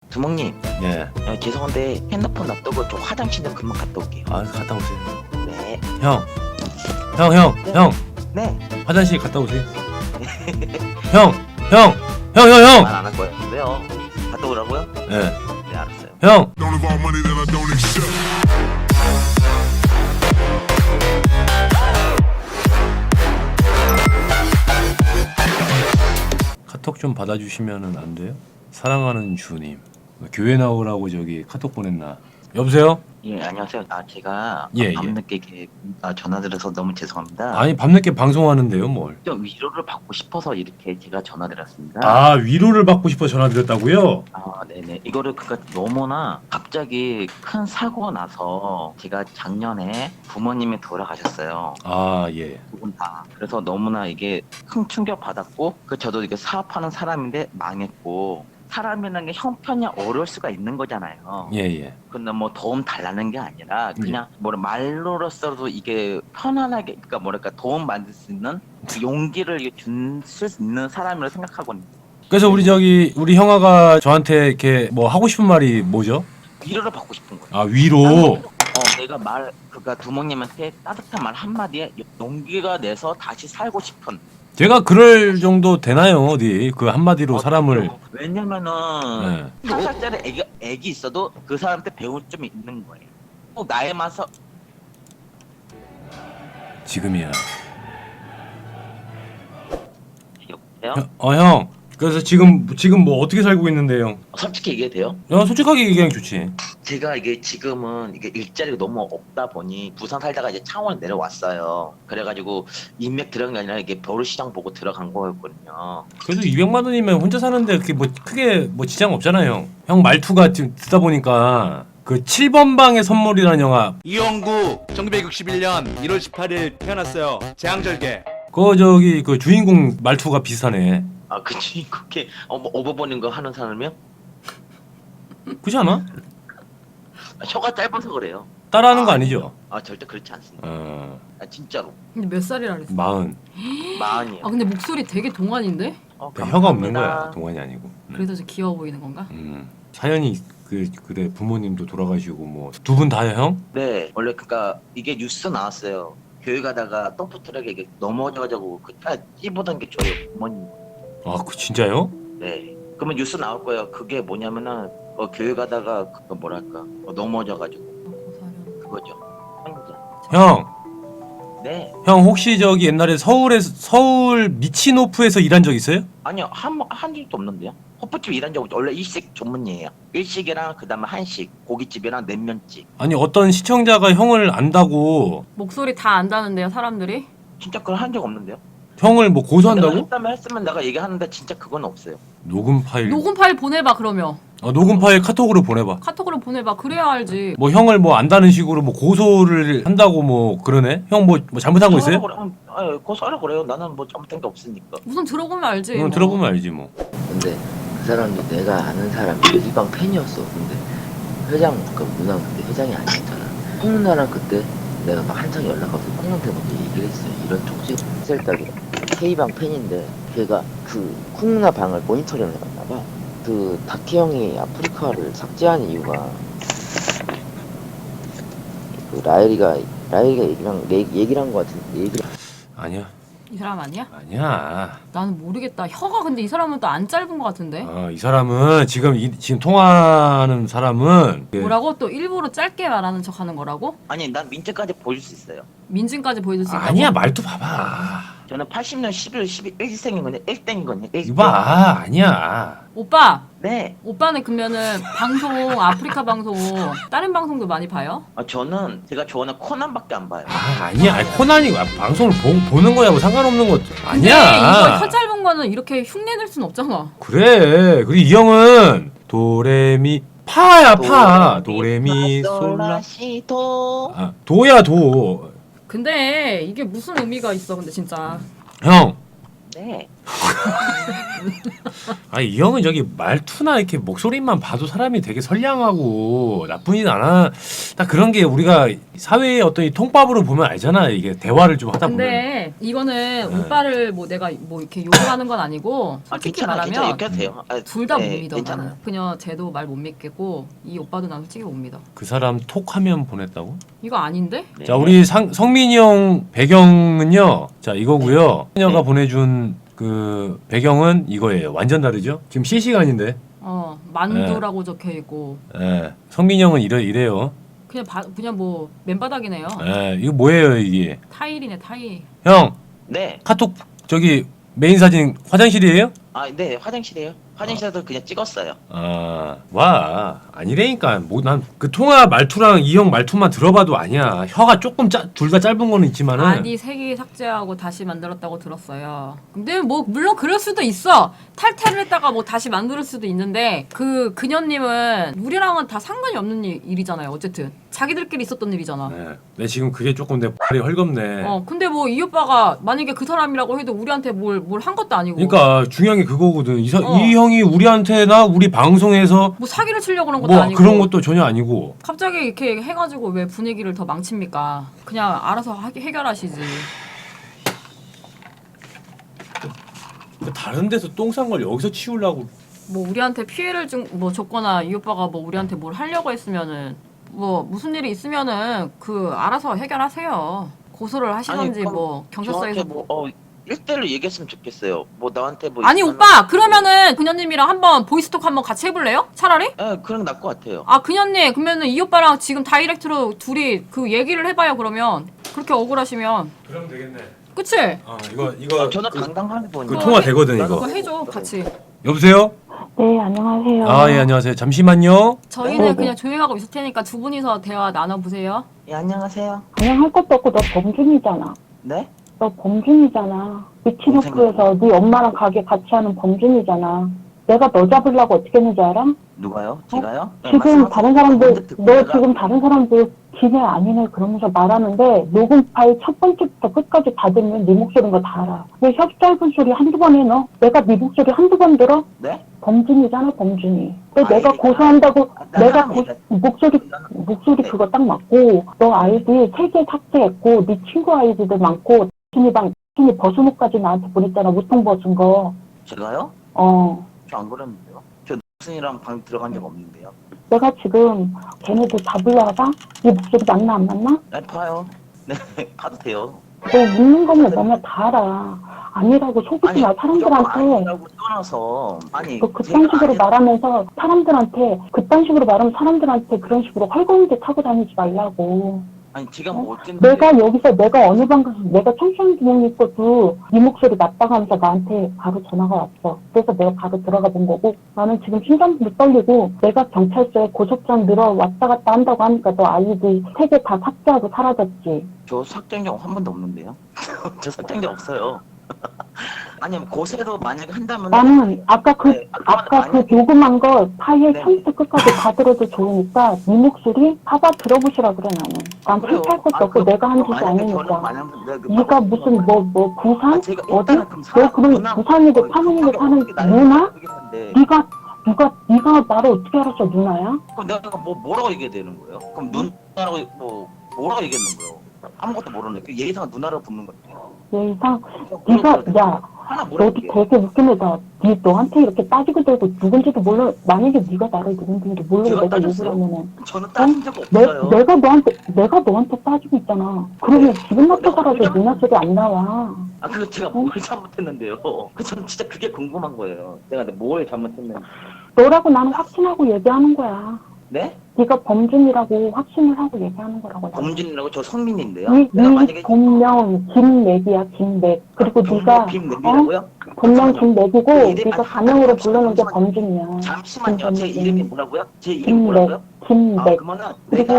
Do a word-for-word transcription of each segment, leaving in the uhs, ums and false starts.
두목님, 예. 어, 죄송한데 핸드폰 놔두고 좀 화장실 좀 금방 갔다 올게요. 아, 갔다 오세요. 네. 형. 형, 형, 네. 형. 네. 화장실 갔다 오세요. 형, 형, 형, 형, 형. 말 안 할 거예요. 왜요? 갔다 오라고요? 예. 네, 알았어요. 형. Don't involve money that I don't accept. 카톡 좀 받아주시면은 안 돼요? 사랑하는 주님. 교회 나오라고 저기 카톡 보냈나? 여보세요? 예, 안녕하세요. 아, 제가 예, 밤늦게 이렇게 아, 전화드려서 너무 죄송합니다. 아니 밤늦게 방송하는데요, 뭘? 좀 위로를 받고 싶어서 이렇게 제가 전화드렸습니다. 아, 위로를 받고 싶어 전화드렸다고요? 아, 네네. 이거를 그니까 너무나 갑자기 큰 사고가 나서 제가 작년에 부모님이 돌아가셨어요. 아, 예. 두 분 다. 그래서 너무나 이게 큰 충격 받았고, 그 저도 이게 사업하는 사람인데 망했고, 사람이라는 게 형편이 어려울 수가 있는 거잖아요. 예, 예. 근데 뭐 도움 달라는 게 아니라 그냥 뭐라 말로로서도 이게 편안하게, 그러니까 뭐랄까 도움 받을 수 있는 그 용기를 줄 수 있는 사람이라고 생각하거든요. 그래서 우리 저기 우리 형아가 저한테 이렇게 뭐 하고 싶은 말이 뭐죠? 위로를 받고 싶은 거예요. 아, 위로. 어, 내가 말, 그니까 두목님한테 따뜻한 말 한마디에 용기가 내서 다시 살고 싶은. 제가 그럴 정도 되나요, 어디? 그 한마디로 어, 사람을. 그렇죠. 왜냐면은 네. 한 살짜리 애기, 애기 있어도 그 사람한테 배울 점이 있는 거예요. 꼭 나에 맞서. 지금이야. 여보세요? 형, 어, 형. 그래서 지금 지금 뭐 어떻게 살고 있는데, 형? 솔직히 얘기해도 돼요? 야, 솔직하게 얘기하면 좋지. 제가 이게 지금은 이게 일자리가 너무 없다 보니 부산 살다가 이제 창원 내려왔어요. 그래가지고 인맥 들어간 게 아니라 이게 벼루시장 보고 들어간 거였거든요. 그래도 이백만 원이면 혼자 사는데 그게 뭐 크게 뭐 지장 없잖아요, 형. 형 말투가 지금 듣다 보니까 그 칠 번 방의 선물이라는 영화, 이영구 천구백육십일 년 일월 십팔일 태어났어요. 재앙절개. 그 저기 그 주인공 말투가 비슷하네. 아, 그치. 그렇게 어, 뭐 오버버닝 거 하는 사람이요? 그렇지 않아? 아, 혀가 짧아서 그래요. 따라하는 거 아, 아니죠? 아, 절대 그렇지 않습니다. 어, 아, 진짜로. 근데 몇 살이라 그랬어? 마흔. 마흔이요. 아 근데 목소리 되게 동안인데? 어, 그러니까 혀가 없는 감사합니다. 거야, 동안이 아니고. 음. 그래서 좀 귀여워 보이는 건가? 음. 사연이 그 그래 부모님도 돌아가시고 뭐 두 분 다요, 형? 네, 원래 그니까 이게 뉴스 나왔어요. 교회 가다가 덤프트럭에 이게 넘어져가지고 그차 찝어던 게 저희 부모님. 아, 그 진짜요? 네. 그러면 뉴스 나올 거예요. 그게 뭐냐면은 어, 교회 가다가 그 뭐랄까 어, 넘어져가지고 고사련. 그거죠. 혼자. 형, 네. 형 혹시 저기 옛날에 서울에 서울 미치노프에서 일한 적 있어요? 아니요, 한, 한 적도 없는데요. 호프집 일한 적 없죠. 원래 일식 전문이에요. 일식이랑 그 다음에 한식, 고깃집이랑 냉면집. 아니 어떤 시청자가 형을 안다고 목소리 다 안다는데요 사람들이? 진짜 그걸 한 적 없는데요. 형을 뭐 내가 고소한다고? 했다면 했으면 내가 얘기하는데 진짜 그건 없어요. 녹음 파일. 녹음 파일 보내봐 그러면. 어, 녹음 파일 카톡으로 보내봐. 카톡으로 보내봐. 그래야 알지. 뭐 형을 뭐 안다는 식으로 뭐 고소를 한다고 뭐 그러네? 형 뭐 뭐 잘못한 거 있어요? 고소하라 그래. 아, 고소하라 그래요. 나는 뭐 잘못한 게 없으니까. 우선 들어보면 알지. 응, 뭐. 들어보면 알지 뭐. 근데 그 사람도 내가 아는 사람이 일방 팬이었어. 근데 회장 그 누나 그때 회장이 아니었잖아. 콩 누나랑 그때 내가 막 한창 연락 와서 콩 누나한테 먼저 얘기를 했어요. 이런 쪽지 셀딱이 K방 팬인데 걔가 그콩 누나 방을 모니터링을 해봤나 봐. 그 다키 형이 아프리카를 삭제한 이유가 그 라엘이가 라엘이가 얘기랑 내 얘기를 한 거 같은데 얘기를 아니야. 이 사람 아니야? 아니야. 나는 모르겠다. 혀가 근데 이 사람은 또 안 짧은 것 같은데. 어, 이 사람은 지금 이, 지금 통화하는 사람은 그- 뭐라고? 또 일부러 짧게 말하는 척하는 거라고? 아니, 난 민증까지 보여줄 수 있어요. 민증까지 보여줄 수 있다고? 아니야, 말투 봐봐. 저는 팔십 년 십일, 십일 생인 거냐, 일 땡인 거냐, 일 이거 봐. 아니야. 오빠! 네. 오빠는 그러면은 방송 아프리카 방송 다른 방송도 많이 봐요? 아, 저는 제가 좋아하는 코난밖에 안 봐요. 아, 아니야. 아니, 코난이 아, 방송을 보, 보는 거야 뭐 상관없는 거 근데 이거 아니야. 혀 짧은 거는 이렇게 흉내낼 순 없잖아. 그래. 그리고 이 형은 도레미 파야 파. 도레미 솔라. 솔라시도. 아, 도야 도. 근데 이게 무슨 의미가 있어 근데 진짜. 형. 네. 아니 이 형은 저기 말투나 이렇게 목소리만 봐도 사람이 되게 선량하고 나쁘진 않아. 딱 그런 게 우리가 사회의 어떤 이 통밥으로 보면 알잖아. 이게 대화를 좀 하다 보면. 근데 이거는 네. 오빠를 뭐 내가 뭐 이렇게 욕하는 건 아니고 아 솔직히 괜찮아 괜찮아 말하면 이렇게 해도 돼요. 아, 둘 다 못 네, 믿어. 괜찮아요. 나는 그냥 쟤도 말 못 믿겠고 이 오빠도 난 솔직히 못 믿어. 그 사람 톡 화면 보냈다고? 이거 아닌데? 네. 자 우리 상, 성민이 형 배경은요. 자 이거고요. 소녀가 네. 보내준 그 배경은 이거예요. 완전 다르죠? 지금 실시간인데. 어 만두라고 적혀 있고 예. 성민이 형은 이래 이래요. 그냥 바, 그냥 뭐 맨바닥이네요. 예. 이거 뭐예요 이게? 타일이네 타일. 형 네. 카톡 저기 메인 사진 화장실이에요? 아, 네, 화장실이에요. 화장실에서 그냥 찍었어요. 아, 와 아니라니까. 뭐 난 그 통화 말투랑 이 형 말투만 들어봐도 아니야. 혀가 조금 둘 다 짧은 거는 있지만은. 아니 색이 삭제하고 다시 만들었다고 들었어요. 근데 뭐 물론 그럴 수도 있어. 탈퇴를 했다가 뭐 다시 만들 수도 있는데 그 그녀님은 우리랑은 다 상관이 없는 일, 일이잖아요. 어쨌든 자기들끼리 있었던 일이잖아. 네. 내 지금 그게 조금 내 발이 헐겁네. 어 근데 뭐 이 오빠가 만약에 그 사람이라고 해도 우리한테 뭘 뭘 한 것도 아니고. 그러니까 중요한 게 그거거든. 이, 사, 어. 이 형이 우리한테나 우리 방송에서 뭐 사기를 치려고 그런 것도 뭐 아니고. 그런 것도 전혀 아니고. 갑자기 이렇게 해가지고 왜 분위기를 더 망칩니까? 그냥 알아서 하, 해결하시지. 다른 데서 똥 싼 걸 여기서 치우려고. 뭐 우리한테 피해를 준 뭐 줬거나 이 오빠가 뭐 우리한테 뭘 하려고 했으면은 뭐 무슨 일이 있으면은 그 알아서 해결하세요. 고소를 하시던지 그럼 뭐 경찰서에서 저한테 뭐 어, 일대일로 얘기했으면 좋겠어요. 뭐 나한테 뭐 아니 있으면은- 오빠 그러면은 그녀님이랑 한번 보이스톡 한번 같이 해볼래요? 차라리? 예, 그런 게 나을 것 같아요. 아 그녀님 그러면은 이 오빠랑 지금 다이렉트로 둘이 그 얘기를 해봐요. 그러면 그렇게 억울하시면 그럼 되겠네. 그치? 아 이거 이거 어, 저는 당당하게 보니까 그 통화 되거든 그거 이거. 해줘 같이. 여보세요? 네, 안녕하세요. 아 예 안녕하세요. 잠시만요. 저희는 네네. 그냥 조용하고 있을 테니까 두 분이서 대화 나눠보세요. 예, 안녕하세요. 그냥 할 것도 없고 너 범준이잖아. 네? 너 범준이잖아. 위치노크에서 네 엄마랑 가게 같이 하는 범준이잖아. 내가 너 잡으려고 어떻게 했는지 알아? 누가요? 제가요? 네, 지금 말씀하세요. 다른 사람들, 먼저 듣고 너 내가- 지금 다른 사람들 기네 아니네 그러면서 말하는데 녹음 파일 첫 번째부터 끝까지 다 들으면 네 목소리인 거 다 알아. 왜 혀 짧은 소리 한두 번 해 너? 내가 네 목소리 한두 번 들어? 네? 범준이잖아 범준이. 또 아이디 내가 고소한다고 아, 나 내가 사람이다. 고, 목소리 목소리 그거 딱 맞고 너 아이디 세 개 삭제했고 네 친구 아이디도 많고 준이방 준이 벗은 옷까지 나한테 보냈잖아. 우통 벗은 거. 제가요? 어. 저 안 그랬는데요. 저 무슨이랑 방 들어간 적 없는데요. 내가 지금 걔네들 잡으려 하다? 네 목소리 맞나 안 맞나? 네, 봐요. 네, 봐도 돼요. 너 묻는 거면 너네 다 알아. 아니라고 속이지 마 사람들한테. 아니라고 떠나서 아니 너 그딴 제가 식으로 아니- 말하면서 사람들한테 그딴 식으로 말하면 사람들한테 그런 식으로 헐거운데 타고 다니지 말라고. 아니 제가 뭐 어쨌는데 내가 여기서 내가 어느 방 가서 내가 청소년 기능이 있어도 네 목소리 맞다고 하면서 나한테 바로 전화가 왔어. 그래서 내가 바로 들어가 본 거고 나는 지금 심장도 떨리고 내가 경찰서에 고소장 늘어 왔다 갔다 한다고 하니까 너 아이디 세 개 다 삭제하고 사라졌지. 저 삭제한 적 한 번도 없는데요. 저 삭제한 적 없어요. 아니 고세도 만약에 한다면 나는 아까 그 네, 아, 아까 그 만약에- 녹음한 거 파일 네. 처음부터 끝까지 다 들어도 좋으니까 네 목소리 봐봐 들어보시라 그래 나는. 난 그래요. 탈탈 것도 아, 없고 그- 내가 한 짓이 만약에 저는 아니니까. 만약 내가 그 네가 방송 무슨 뭐 뭐 부산? 아, 제가 어디? 일단은 그럼 너 사람 그럼 누나- 부산이고 어, 파문이고 그게 사는 나를 누나? 모르겠는데 네가 누가 네가 나를 어떻게 알았어 누나야? 그럼 내가 뭐 뭐라고 얘기해야 되는 거예요? 그럼 누나라고 뭐 뭐라고 얘기했는 거예요? 아무것도 모르는데 그 예의상 누나라고 부르는 거예요. 얘 이상 네가 야 하나 뭐라고 너도 얘기해? 되게 웃긴 애다. 네 너한테 이렇게 따지고 들고 누군지도 몰라. 만약에 네가 나를 누군지도 모르고 제가 내가 욕을 따졌어요? 하면은 저는 따진 적 내, 없어요. 내가 너한테 내가 너한테 따지고 있잖아. 그러면 네. 기분 내가 나쁘더라도 그냥- 누나 소리 안 나와. 아 그거 제가 어? 뭘 잘못했는데요? 그 저는 진짜 그게 궁금한 거예요. 내가 뭘 잘못했는지. 너라고 나는 확신하고 얘기하는 거야. 네? 네가 범준이라고 확신을 하고 얘기하는 거라고. 나는. 범준이라고 저 성민인데요. 네, 내가 네 만약에 본명 김맥이야 김맥. 그리고 네가 빔랩이라고요? 어? 본명 김맥이고 그 이름- 네가 아, 가명으로 잠시만요, 부르는 게 잠시만요. 범준이야. 잠시만요. 제 김범준. 이름이 뭐라고요? 제 이름 김맥 뭐라고요? 아 김맥. 그러면은 그리고 내가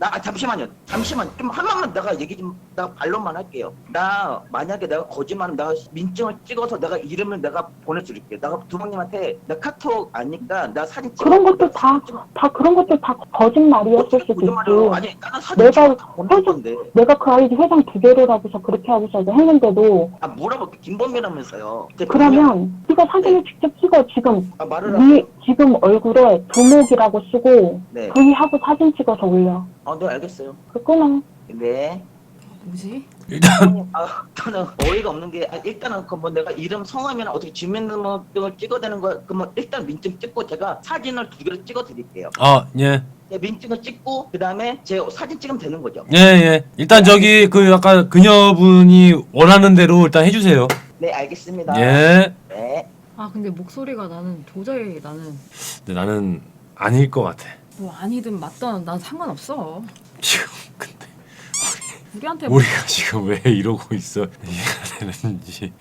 나 아, 잠시만요. 잠시만. 좀 한 번만 내가 얘기 좀 나 반론만 할게요. 나 만약에 내가 거짓말하면 내가 민증을 찍어서 내가 이름을 내가 보내줄게. 내가 두목님한테 나 카톡 아니까 나 사진 찍어. 그런 것도 다, 다 그런 것도 다 거짓말이었을 수도 거짓말이야. 있고. 아니 나는 사진 내가 찍어 다 보낼 회장, 건데. 내가 그 아이디 회장 두 개를 하고서 그렇게 하고서 했는데도 아 물어볼게. 김범이라면서요. 이제 그러면 네가 사진을 직접 찍어. 지금 아 말을 네 지금 얼굴에 두목이라고 쓰고 네. V 하고 사진 찍어서 올려. 어, 네 알겠어요. 그 끊어. 네. 뭐지? 일단 아, 저는 어이가 없는 게 아, 일단은 그 뭐 내가 이름 성함이나 어떻게 주민등록증을 찍어대는 거 그러면 일단 민증 찍고 제가 사진을 두 개를 찍어 드릴게요. 아 예. 네, 민증을 찍고 그다음에 제 사진 찍으면 되는 거죠. 예, 예. 일단 저기 그 아까 그녀분이 원하는 대로 일단 해주세요. 네, 알겠습니다. 예. 네. 아 근데 목소리가 나는 도저히 나는 근데 나는 아닐 것 같아. 뭐 아니든 맞든 난 상관없어. 지금 근데 우리한테 뭐 우리가 지금 왜 이러고 있어? 이해가 되는지.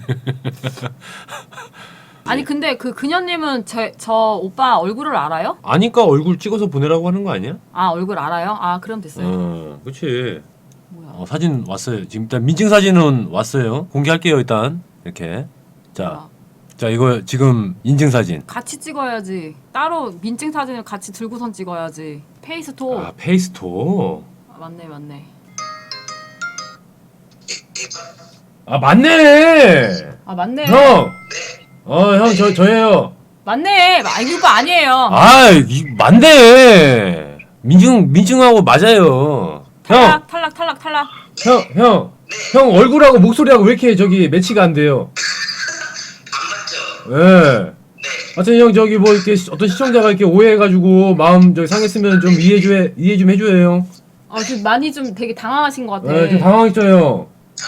아니 근데 그 그녀님은 제, 저 오빠 얼굴을 알아요? 아니까 얼굴 찍어서 보내라고 하는 거 아니야? 아 얼굴 알아요? 아 그럼 됐어요. 어, 그렇지. 뭐야? 어, 사진 왔어요. 지금 일단 민증 사진은 왔어요. 공개할게요 일단 이렇게. 자, 뭐야? 자 이거 지금 인증 사진. 같이 찍어야지. 따로 민증 사진을 같이 들고선 찍어야지. 페이스톡. 아 페이스톡. 아, 맞네 맞네. 아 맞네. 아 맞네. 형. 어 형 저 저예요. 맞네. 아 이거 아니에요. 아 이, 맞네. 민증 민증하고 맞아요. 형, 탈락 탈락 탈락 탈락. 형, 형, 형 얼굴하고 목소리하고 왜 이렇게 저기 매치가 안 돼요? 안 맞죠? 예. 하여튼 형 저기 뭐 이렇게 시- 어떤 시청자가 이렇게 오해해가지고 마음 저기 상했으면 좀 이해 좀 이해 좀 해줘요 형. 아 지금 많이 좀 되게 당황하신 것 같아. 예, 좀 당황했죠 형.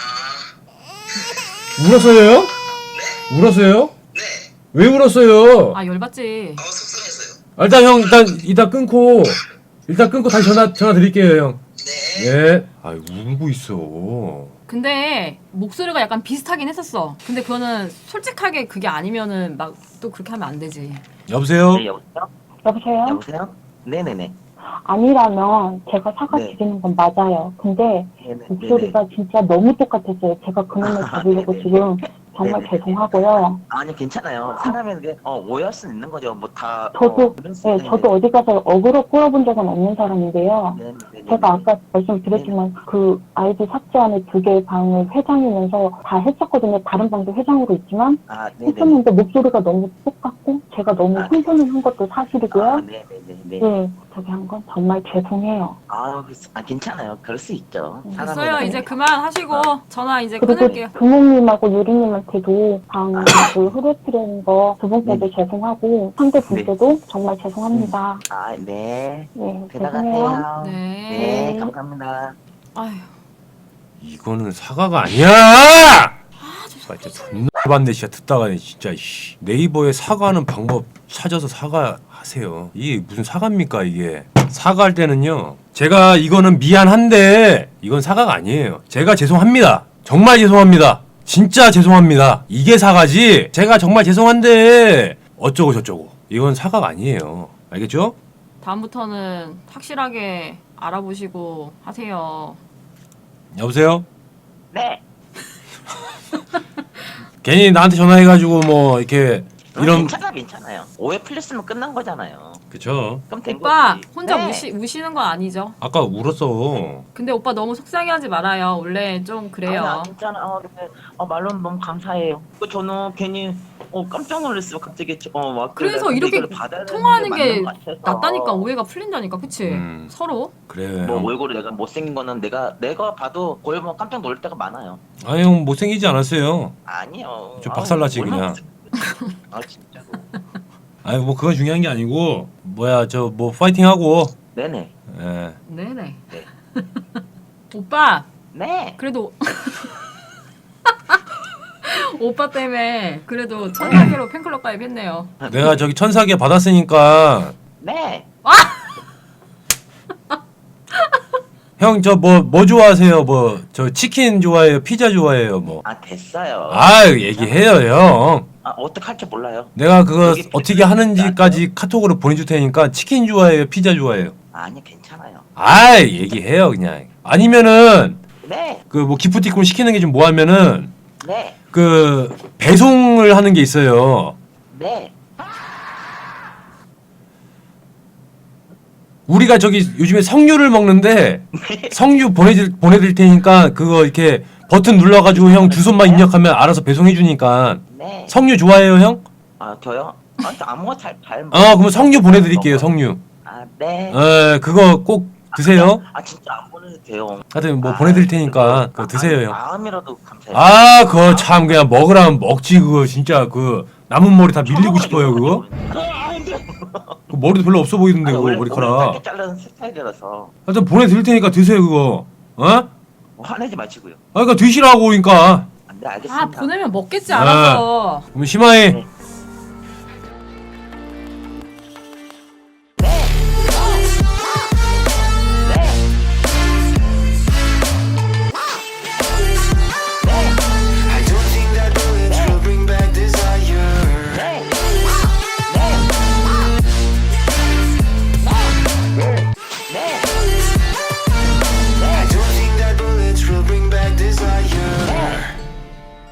울었어요 형? 울었어요? 네. 왜 울었어요? 아 열받지. 아, 일단 형 일단 이따 끊고 일단 끊고 다시 전화 전화 드릴게요 형. 네. 예. 아 울고 있어. 근데 목소리가 약간 비슷하긴 했었어. 근데 그거는 솔직하게 그게 아니면은 막 또 그렇게 하면 안 되지. 여보세요? 네, 여보세요? 여보세요? 여보세요? 네, 네, 네. 아니라면 제가 사과 네. 드리는 건 맞아요. 근데 네, 네. 목소리가 진짜 너무 똑같았어요. 제가 그놈을 잡으려고 네네. 지금 정말 네네. 죄송하고요. 아니 괜찮아요. 사람이 그게 어 오해할 수 있는 거죠. 뭐다 저도 어, 그런 수 네, 있는 저도 어디 가서 어그로 끌어본 적은 없는 사람인데요. 네, 네, 네, 네. 제가 아까 말씀드렸지만 그 아이디 삭제하는 두 개의 방을 회장이면서 다 했었거든요. 다른 방도 회장으로 있지만 아, 네, 네. 했었는데 목소리가 너무 똑같고 제가 너무 아, 흥분을 한 것도 사실이고요. 아, 네, 네, 네, 네. 네, 저기 한 건 정말 죄송해요. 아, 그- 아, 괜찮아요. 그럴 수 있죠. 됐어요. 사람이라는 이제 게. 그만 하시고 전화 이제 그리고 끊을게요. 부모님하고 유리님한테도 방그 흐르트리는 거 두 분께도 죄송하고 상대 분께도 정말 죄송합니다. 아, 네. 네, 죄송해요. 대단하세요. 네. 네, 감사합니다. 아휴. 이거는 사과가 아니야! 아, 진짜 존나 봤네, 진짜 듣다가 진짜 씨. 네이버에 사과하는 방법 찾아서 사과하세요. 이게 무슨 사과입니까 이게? 사과할 때는요. 제가 이거는 미안한데 이건 사과가 아니에요. 제가 죄송합니다. 정말 죄송합니다. 진짜 죄송합니다. 이게 사과지. 제가 정말 죄송한데 어쩌고 저쩌고. 이건 사과가 아니에요. 알겠죠? 다음부터는 확실하게 알아보시고 하세요. 여보세요? 네. 괜히 나한테 전화해가지고 뭐 이렇게 이런 이런 괜찮아, 괜찮아요. 오해 풀렸으면 끝난 거잖아요. 그쵸? 그럼 된 오빠 거지. 혼자 네. 우시, 우시는 건 아니죠? 아까 울었어. 근데 오빠 너무 속상해하지 말아요. 원래 좀 그래요. 아니, 아, 괜찮아. 어, 근데 어, 말로는 너무 감사해요. 그 저는 괜히 어 깜짝 놀랐어요. 갑자기 어막 그래서 이렇게 통화하는 게 낫다니까. 오해가 풀린다니까. 그치? 음. 서로. 그래. 뭐 형. 얼굴이 내가 못생긴 거는 내가 내가 봐도 거의 뭐 깜짝 놀랄 때가 많아요. 아니 형 못생기지 않았어요. 아니요. 좀 아우, 박살나지, 얼마나 그냥. 못생겼지. 아 진짜로. 아니 뭐 그건 중요한 게 아니고 뭐야 저 뭐 파이팅 하고. 네네. 예. 네네. 네. 오빠 네. 그래도 오빠 때문에 그래도 천사계로 팬클럽 가입했네요. 내가 저기 천사계 받았으니까 네. 형 저 뭐 뭐 좋아하세요? 뭐 저 치킨 좋아해요? 피자 좋아해요? 뭐. 아 됐어요. 아 얘기해요 형. 아 어떻게 할지 몰라요. 내가 그거 여기 어떻게 하는지까지 카톡으로 보내줄 테니까 치킨 좋아해요? 피자 좋아해요? 아니 괜찮아요. 아 얘기해요 그냥. 아니면은 네, 그 뭐 기프티콘 시키는 게 좀 뭐 하면은 네, 그 배송을 하는 게 있어요. 네. 우리가 저기 요즘에 석류를 먹는데 석류 보내줄 보내드릴 테니까 그거 이렇게 버튼 눌러가지고 형 두 손만 입력하면 알아서 배송해 주니까. 네. 석류 좋아해요 형? 아 저요? 아, 저 아무거 잘 잘. 어 그럼 석류 보내드릴게요 석류. 아 네. 에 그거 꼭 드세요. 아 진짜 안 보내도 돼요. 하여튼 뭐 아, 보내드릴 테니까 그거 아, 드세요 형. 마음이라도 감사해요. 아 그거 참 그냥 먹으라면 먹지 그거 진짜 그 남은 머리 다 밀리고 싶어요 그거. 그 머리도 별로 없어 보이던데 아니, 그거 원래, 원래 머리카락. 짧게 자르는 스타일이라서 하여튼 보내드릴 테니까 드세요 그거. 어? 뭐 화내지 마시고요. 아 그러니까 드시라고 그러니까. 아, 네 알겠습니다. 아 보내면 먹겠지 알아서. 그럼 심하이 네.